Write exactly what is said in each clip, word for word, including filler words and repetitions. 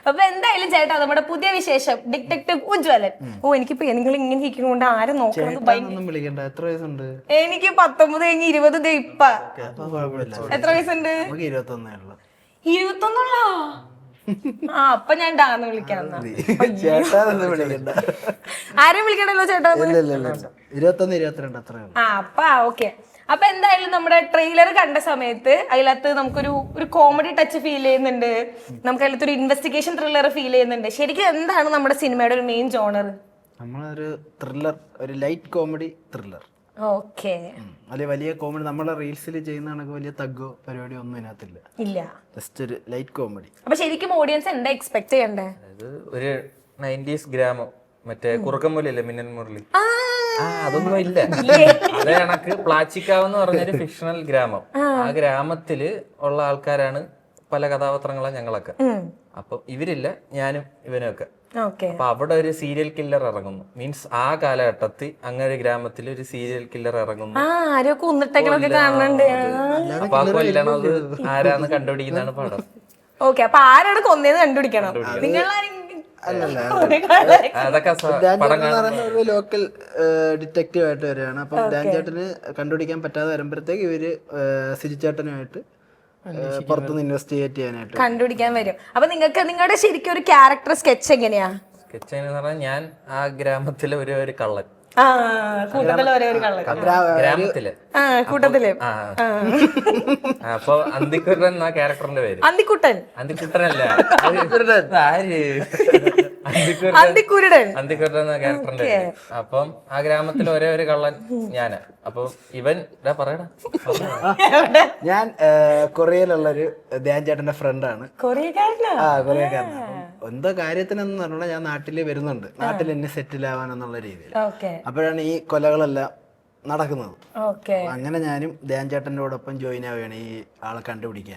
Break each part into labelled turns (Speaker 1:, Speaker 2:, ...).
Speaker 1: അപ്പൊ എന്തായാലും ചേട്ടാ നമ്മുടെ പുതിയ വിശേഷം ഡിറ്റക്ടീവ് ഉജ്വലൻ. ഓ എനിക്കിപ്പോ നിങ്ങൾ ഇങ്ങനെ ഇരിക്കുന്നോണ്ട് ആരും നോക്കണം.
Speaker 2: വിളിക്കണ്ട. എത്ര വയസ്സുണ്ട്?
Speaker 1: എനിക്ക് പത്തൊമ്പത് കഴിഞ്ഞ് ഇരുപത് ഇപ്പ. എത്ര വയസ്സുണ്ട്?
Speaker 2: ഇരുപത്തൊന്നേ ഉള്ളു.
Speaker 1: ഇരുപത്തൊന്നുള്ളോ? ആ അപ്പൊ ഞാൻ ഡാന്ന് വിളിക്കാം. ആരും വിളിക്കണ്ടല്ലോ ചേട്ടാ.
Speaker 2: ഇരുപത്തൊന്ന് ഇരുപത്തിരണ്ട് അത്ര.
Speaker 1: ആ അപ്പൊ ഓക്കെ. അപ്പൊ എന്തായാലും നമ്മുടെ ട്രെയിലർ കണ്ട സമയത്ത് അതിനകത്ത് നമുക്കൊരു ഒരു കോമഡി ടച്ച് ഫീൽ ചെയ്യുന്നുണ്ട്, നമുക്ക് അതിലത്ത് ഒരു ഇൻവെസ്റ്റിഗേഷൻ ത്രില്ലർ ഫീൽ ചെയ്യുന്നുണ്ട്. ശരിക്കും എന്താണ് നമ്മുടെ സിനിമയുടെ ഒരു മെയിൻ ജോണർ?
Speaker 2: നമ്മളൊരു ത്രില്ലർ, ഒരു ലൈറ്റ് കോമഡി ത്രില്ലർ.
Speaker 1: ഓക്കെ.
Speaker 2: അല്ലെ വലിയ കോമഡി നമ്മളെ റീൽസിൽ ചെയ്യുന്ന കണക്ക് വലിയ തഗ്ഗോ പരിപാടിയോ ഒന്നും ഇതിനകത്തില്ല.
Speaker 1: ഇല്ല,
Speaker 2: ജസ്റ്റ് ഒരു ലൈറ്റ് കോമഡി.
Speaker 1: അപ്പൊ ശരിക്കും ഓഡിയൻസ് എന്താ എക്സ്പെക്ട് ചെയ്യണ്ടേ?
Speaker 3: ഒരു നയൻറ്റീസ് ഗ്രാമം, മറ്റേ കുറുക്കമ്പുലില്ലേ മിന്നൽ മുരളി, ആ അതൊന്നും ഇല്ല. അതേ കണക്ക് പ്ലാച്ചിക്കാവ് എന്ന് പറഞ്ഞൊരു ഫിക്ഷണൽ ഗ്രാമം. ആ ഗ്രാമത്തില് ഉള്ള ആൾക്കാരാണ് പല കഥാപാത്രങ്ങളാണ് ഞങ്ങളൊക്കെ. അപ്പൊ ഇവരില്ല, ഞാനും ഇവനൊക്കെ. അപ്പൊ അവിടെ ഒരു സീരിയൽ കില്ലർ ഇറങ്ങുന്നു. മീൻസ് ആ കാലഘട്ടത്തിൽ അങ്ങനെ ഒരു ഗ്രാമത്തിൽ ഒരു സീരിയൽ കില്ലർ ഇറങ്ങുന്നു. അപ്പൊ ആ കൊല്ലണത് ആരാന്ന് കണ്ടുപിടിക്കുന്നതാണ് പടം.
Speaker 1: ഓക്കെ, അപ്പൊ ആരാണ് കൊന്നേന്ന് കണ്ടുപിടിക്കണം. നിങ്ങൾ
Speaker 2: ഒരു ലോക്കൽ ഡിറ്റക്റ്റീവ് ആയിട്ട് വരികയാണ്. അപ്പം ഡാൻ ചേട്ടന് കണ്ടുപിടിക്കാൻ പറ്റാതെ വരുമ്പോഴത്തേക്ക് ഇവര് സിജിച്ചേട്ടനുമായിട്ട് പുറത്തുനിന്ന് ഇൻവെസ്റ്റിഗേറ്റ് ചെയ്യാനായിട്ട്
Speaker 1: കണ്ടുപിടിക്കാൻ വരും. അപ്പൊ നിങ്ങൾക്ക് നിങ്ങളുടെ ശരിക്കും ഒരു ക്യാരക്ടർ സ്കെച്ച് എങ്ങനെയാ?
Speaker 3: സ്കെച്ച് എന്ന് പറഞ്ഞാൽ ഞാൻ ആ ഗ്രാമത്തിലെ ഒരു ഒരു കള്ളൻ,
Speaker 1: കൂട്ടത്തില് ഒരേ ഒരു കള്ളൻ
Speaker 3: ഗ്രാമത്തില്
Speaker 1: കൂട്ടത്തില്.
Speaker 3: അപ്പൊ അന്തിക്കുട്ടൻ എന്നാ ക്യാരക്ടറിന്റെ പേര്.
Speaker 1: അന്തിക്കുട്ടൻ?
Speaker 3: അന്തിക്കുട്ടനല്ല, ആര്
Speaker 1: അന്തിക്കുരുടൻ.
Speaker 3: അന്തിക്കുട്ടൻ എന്ന ക്യാരക്ടറിന്റെ പേര്. അപ്പം ആ ഗ്രാമത്തിൽ ഒരേ ഒരു കള്ളൻ ഞാന്. അപ്പൊ ഇവൻ പറയടാ,
Speaker 2: ഞാൻ കൊറിയയിലുള്ളൊരു ധ്യാൻ ചേട്ടന്റെ ഫ്രണ്ടാണ്.
Speaker 1: കൊറിയക്കാരനാ?
Speaker 2: ആ കൊറിയക്കാരനാ. എന്തോ കാര്യത്തിനെന്ന് പറഞ്ഞാൽ ഞാൻ നാട്ടില് വരുന്നുണ്ട്, നാട്ടിൽ എന്നെ സെറ്റിൽ ആവാനെന്നുള്ള രീതിയിൽ. അപ്പോഴാണ് ഈ കൊലകളെല്ലാം നടക്കുന്നത്. അങ്ങനെ ഞാനും ധ്യാൻ ചേട്ടനോടൊപ്പം ജോയിൻ ആവുകയാണ് ഈ ആളെ കണ്ടുപിടിക്കാൻ.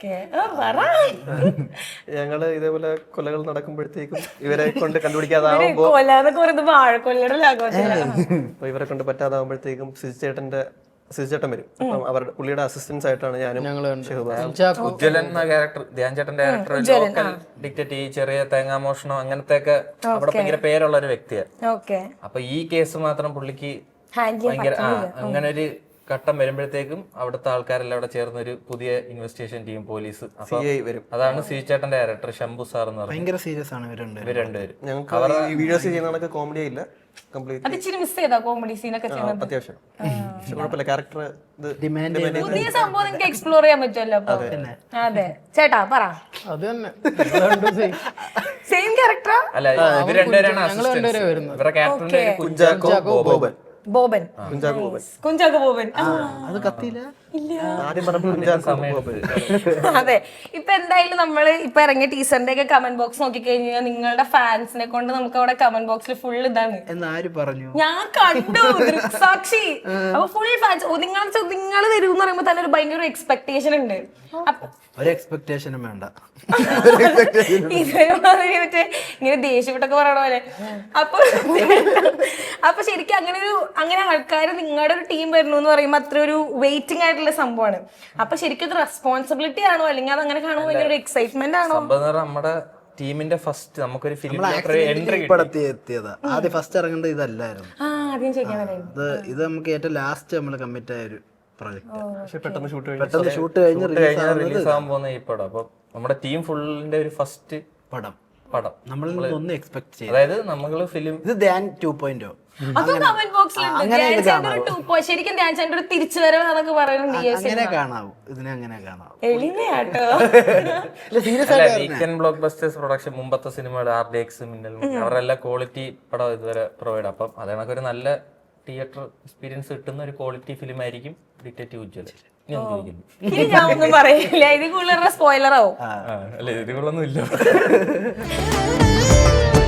Speaker 4: ഞങ്ങള് ഇതേപോലെ കൊലകൾ നടക്കുമ്പോഴത്തേക്കും ഇവരെ കൊണ്ട് കണ്ടുപിടിക്കാതാവുമ്പോ ഇവരെ കൊണ്ട് പറ്റാതാവുമ്പോഴത്തേക്കും സിജിച്ചേട്ടന്റെ സിജിച്ചേട്ടൻ വരും. അപ്പം അവരുടെ പുള്ളിയുടെ അസിസ്റ്റൻസ് ആയിട്ടാണ് ഞാനും.
Speaker 3: ഉജ്വലൻ എന്ന ക്യാരക്ടർ, ധ്യാൻ ചേട്ടന്റെ ക്യാരക്ടർ ലോക്കൽ ഡിറ്റക്റ്റീവ്, ചെറിയ തേങ്ങാമോഷണം അങ്ങനത്തെ ഒക്കെ അവിടെ ഭയങ്കര പേരുള്ള ഒരു വ്യക്തിയാണ്. അപ്പൊ ഈ കേസ് മാത്രം പുള്ളിക്ക് ഭയങ്കര ആ അങ്ങനെ ഒരു ഘട്ടം വരുമ്പോഴത്തേക്കും അവിടുത്തെ ആൾക്കാരെല്ലാം അവിടെ ചേർന്ന ഒരു പുതിയ ഇൻവെസ്റ്റിഗേഷൻ ടീം, പോലീസ് വരും. അതാണ് സിജിച്ചേട്ടന്റെ ഡയറക്ടർ ശംഭു സാർ എന്ന് പറയുന്നത്.
Speaker 2: ഭയങ്കര സീരിയസ് ആണ് ഇവർ രണ്ടുപേരും.
Speaker 4: ഞങ്ങൾക്ക് അവരുടെ വീഡിയോസ് ചെയ്യുന്നതൊക്കെ കോമഡി ഇല്ല, അത്യാവശ്യം കുഴപ്പമില്ല. ക്യാരക്ടർ
Speaker 1: പുതിയ സംഭവം നിങ്ങൾക്ക് എക്സ്പ്ലോർ ചെയ്യാൻ പറ്റുമല്ലോ. അതെ ചേട്ടാ പറ.
Speaker 5: അത് തന്നെ
Speaker 1: സെയിം ക്യാരക്ടറാ?
Speaker 3: അല്ല, ഇവർ രണ്ടുപേരാണ് അസിസ്റ്റൻസ്. ഇവരുടെ ക്യാരക്ടറിന്റെ പേര് കുഞ്ചാക്കോ ബോബൻ.
Speaker 1: ബോബൻ, കുഞ്ചാക്കോ ബോബൻ.
Speaker 2: അത് കത്തിയില്ല.
Speaker 1: അതെ. ഇപ്പൊ എന്തായാലും നമ്മള് ഇപ്പൊ ഇറങ്ങിയ ടീച്ചറിന്റെ ഒക്കെ കമന്റ് ബോക്സ് നോക്കിക്കഴിഞ്ഞാൽ നിങ്ങളുടെ ഫാൻസിനെ കൊണ്ട് നമുക്ക് അവിടെ കമന്റ് ബോക്സിൽ ഫുൾ ഇതാണ്.
Speaker 2: എന്നാര് പറഞ്ഞു?
Speaker 1: ഞാൻ കണ്ടു, ദൃക്സാക്ഷി. അപ്പൊ ഫുൾ ഫാൻസ്. നിങ്ങൾ നിങ്ങൾ വരും എന്ന് പറയുമ്പോ തന്നെ ഒരു ഭയങ്കര എക്സ്പെക്ടേഷൻ ഉണ്ട്.
Speaker 2: ഒരു എക്സ്പെക്ടേഷനും വേണ്ട,
Speaker 1: ഇതേമാതിരി മറ്റേ ഇങ്ങനെ ദേഷ്യപ്പെട്ടൊക്കെ പറയണ പോലെ. അപ്പൊ അപ്പൊ ശരിക്കും അങ്ങനെ ഒരു അങ്ങനെ ആൾക്കാർ നിങ്ങളുടെ ഒരു ടീം വരുന്നു എന്ന് പറയുമ്പോ അത്ര ഒരു വെയിറ്റിംഗ് ആയിട്ടുള്ള സംഭവമാണ്. അപ്പൊ ശരിക്കും ഇത് റെസ്പോൺസിബിലിറ്റി ആണോ, അല്ലെങ്കിൽ അത് അങ്ങനെ കാണുമ്പോൾ ഭയങ്കര ഒരു എക്സൈറ്റ്മെന്റ് ആണോ?
Speaker 3: നമ്മുടെ ടീമിന്റെ ഫസ്റ്റ് നമുക്കൊരു ഫിലിം
Speaker 2: എത്തിയതാ. ആദ്യം ഫസ്റ്റ് ഇറങ്ങേണ്ടത് ഇതല്ലായിരുന്നു. ഇത് ഇത് നമുക്ക് ഏറ്റവും ലാസ്റ്റ് നമ്മൾ കമ്മിറ്റ് ആയ ഒരു
Speaker 4: പെട്ടെന്ന് ഷൂട്ട്
Speaker 2: പെട്ടെന്ന് ഷൂട്ട് കഴിഞ്ഞ്
Speaker 3: റിലീസ് ആവാൻ പോകുന്ന ഈ പടം. അപ്പൊ നമ്മുടെ ടീം ഫുള്ളിന്റെ ഒരു ഫസ്റ്റ്
Speaker 2: പടം
Speaker 3: പടം
Speaker 2: നമ്മൾ ഒന്നും എക്സ്പെക്ട് ചെയ്യും.
Speaker 3: അതായത് നമ്മള് ഫിലിം
Speaker 2: ഇത് ധ്യാൻ ടു പോയിന്റ്
Speaker 1: ശരിക്കും ധ്യാൻ ചേട്ടൻ ഒരു തിരിച്ചുവരവ് എന്നൊക്കെ പറയുന്നുണ്ട്.
Speaker 2: അങ്ങനെ കാണാവൂ, ഇതിനെ അങ്ങനെ കാണാവൂ.
Speaker 1: എളിമയാട്ടോ.
Speaker 3: വീക്കെൻഡ് ബ്ലോക്ക് ബസ്റ്റേഴ്സ് പ്രൊഡക്ഷൻ മുമ്പത്തെ സിനിമയുടെ ആർ ഡി എക്സ്, മിന്നൽ, അവരെല്ലാം ക്വാളിറ്റി പടം ഇതുവരെ പ്രൊവൈഡ്. അപ്പം അതേണക്ക് ഒരു നല്ല തിയേറ്റർ എക്സ്പീരിയൻസ് കിട്ടുന്ന ഒരു ക്വാളിറ്റി ഫിലിം ആയിരിക്കും ഡിറ്റക്റ്റീവ് ഉജ്വലൻ.
Speaker 1: ഞാൻ ഒന്നും പറയില്ല, ഇത് കൂടുതൽ സ്പോയിലർ ആവും.
Speaker 3: അല്ല, ഇതികളൊന്നും ഇല്ല.